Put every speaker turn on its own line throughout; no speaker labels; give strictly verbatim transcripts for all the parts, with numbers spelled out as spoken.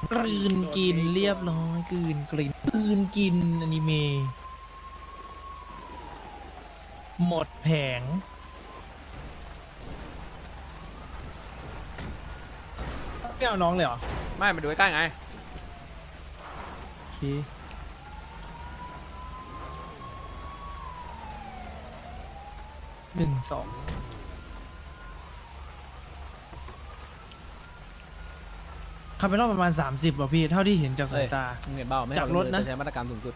กลืนกินเรียบร้อยกลืนกลืนกลืนกินอนิเมะหมดแผงไม่เอาน้องเลยเหรอ
ไม่มาดูใกล้ๆไง
โอเคหนึ่งสองขับไปรอบประมาณสามสิบว่ะพี่เท่าที่เห็นจากสายตา
มึงเห็นเปล่าไม่ให้
จากรถนะ
ใช้มาตรการสูงสุด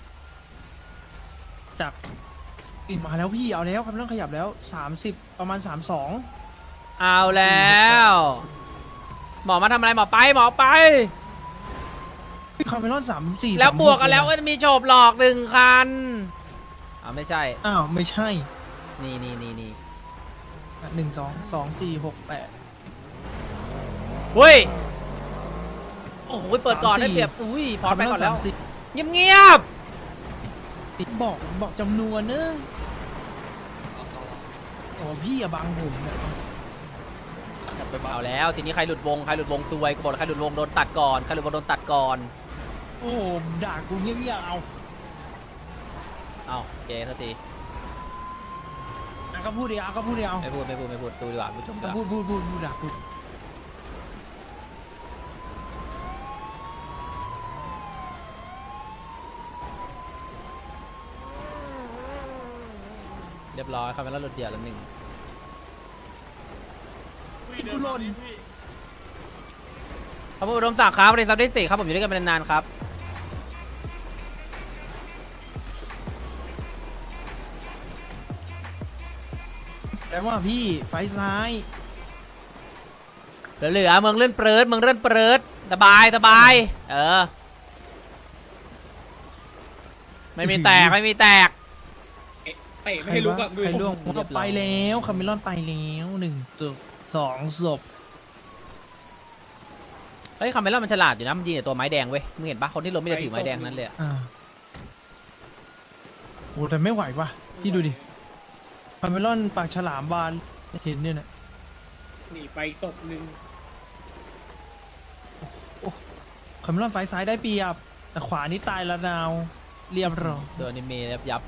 จากอีกมาแล้วพี่เอาแล้วครับไม่ต้องขยับแล้วสามสิบประมาณสามสอง
เอาแล้วหมอมาทำอะไรหมอไปหมอไป
คาร์เมลอนสามสี่
แล้วบวกกันแล้วก็จะมีโฉบหลอกหนึ่งคันอ้าวไม่ใช่
อ้าวไม่ใช่
นี่นี่นี่นี่
หนึ่งสองสองสี่หกแปด
เฮ้ยโอ้โหเปิดก่อนได้เปรียบอุ้ยพอไปก่อนแล้วเงียบเงียบ
บอกบอกจำนวนเนอะโอ้พี่อะบังผมเนี่ย
เอาแล้วทีนี้ใครหลุดวงใครหลุดวงซวยกูบอกใครหลุดวงโดนตัดก่อนใครหลุดวงโดนตัดก่อน
โอ้ด่ากูเงี้ยๆเอา
เอาเจ๊สักที
อ่ะก็พูดดิเอาก็พูดดิเอา
ไม่พูดไม่พูดไม่พูดดูดีกว่าผู้ชมดีก
ก็
ว่า
พูดพูดพูดพูดด่าพูด
เรียบร้อยครับแล้วหลุดเดียวแล้วหนึ่ง
กูหล่น
ขอบคุณอุดมศักดิ์ครับบริษัทได้สี่ครับผมอยู่ด้วยกันเป็นนานๆครับ
แล้วว่าพี่ไฟซ้าย
เหลือๆเมืองเลื่อนเปริดเมืองเลื่อนเปริดสบายสบายเออไม่มีแตกไม่มีแตก
เตะไม่ให้ลุกอะดู
ใครล่วง
เรียบร้อย
ไปแล้วคาร์เมลอนไปแล้วหนึ่งตัวสองศพ
เฮ้ยคาเมล่ามันฉลาดอยู่นะมันยิงแต่ตัวไม้แดงเว้ยมึงเห็นปะคนที่ล้มไม่ได้ถือไม้แดงนั้นเลยอะ
อ่าโอ้แต่ไม่ไหวว่ะพี่ดูดิคาร์เมลอนปากฉลามบานเห็นเนี่ยนะ
หนีไปศพหนึ่ง
คาร์เมลอนไฟซ้ายได้เปรียบแต่ขวานี่ตายละนาวเรียบร้อย
โดนอนิเมะยับยับ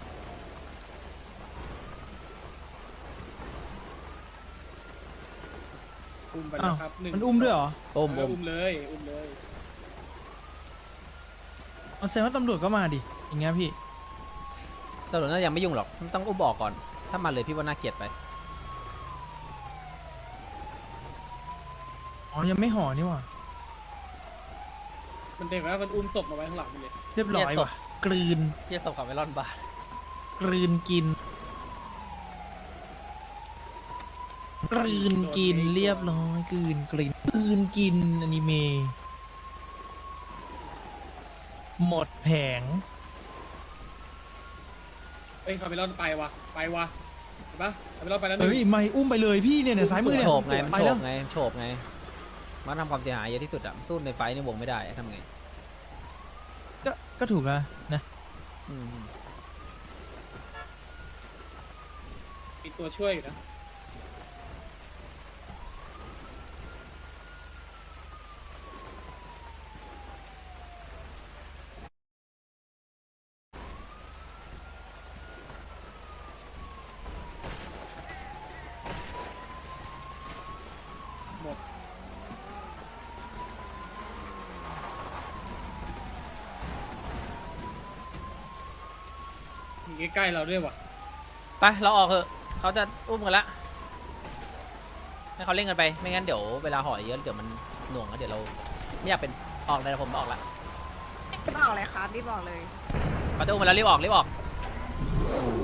อุ้มไป
อ้า
แล้ว วครับหนึ่ง
มันอุ้มด้วยเหรอ
ปุ้ม
เอ
ปุ้
อ
ม
อุ้มเลยอุ้มเลย
เอาแสดงว่าตำรวจก็มาดิอย่างเงี้ยพี่
ตำรวจน่ายังไม่ยุ่งหรอกมันต้องอุ้มออกก่อนถ้ามาเลยพี่ว่าน่าเกลียดไป
อ๋อยังไม่ห่อนี่หว่า
มันเด็กว่ามันอุ้มศพมาไว้ข้างหลังมันเลย
เรียบร้อยว่ะกลืน
เยี่ยสบคาเมลอนบาท
กลืนกินกลืนกินเรียบร้อยกลืนกลืนกลืนกินอนิเมะหมดแผง
เอ้ยคาเมลอนไปวะไปวะเห็นปะคาเมลอนไปแล้วหนึ่ง
เฮ้ยไม่อุ้มไปเลยพี่เนี่ยเนี่ยซ้ายมือเนี่ย
โฉบไงมัน
ไป
โฉ
แล้ว
บไงมันโฉบไงมันทำความเสียหายเยอะที่สุดอะสู้ในไฟในวงไม่ได้ทำไง
ก็ก็ถูกแล้วนะ
อืม
มีตัวช่วยอยู่นะ หมดมีใกล้ๆเราด้วยวะ
ไปเราออกเถอะเขาจะอุ้มกันละให้เขาเล่นกันไปไม่งั้นเดี๋ยวเวลาห่อเยอะเดี๋ยวมันหน่วงแล้วเดี๋ยวเราไม่อยากเป็นออกเลยนะผมออกละ
รีบบอกเลยครับรีบบอกเลย
เขาจะอุ้มมาแล้วรีบออกรีบออก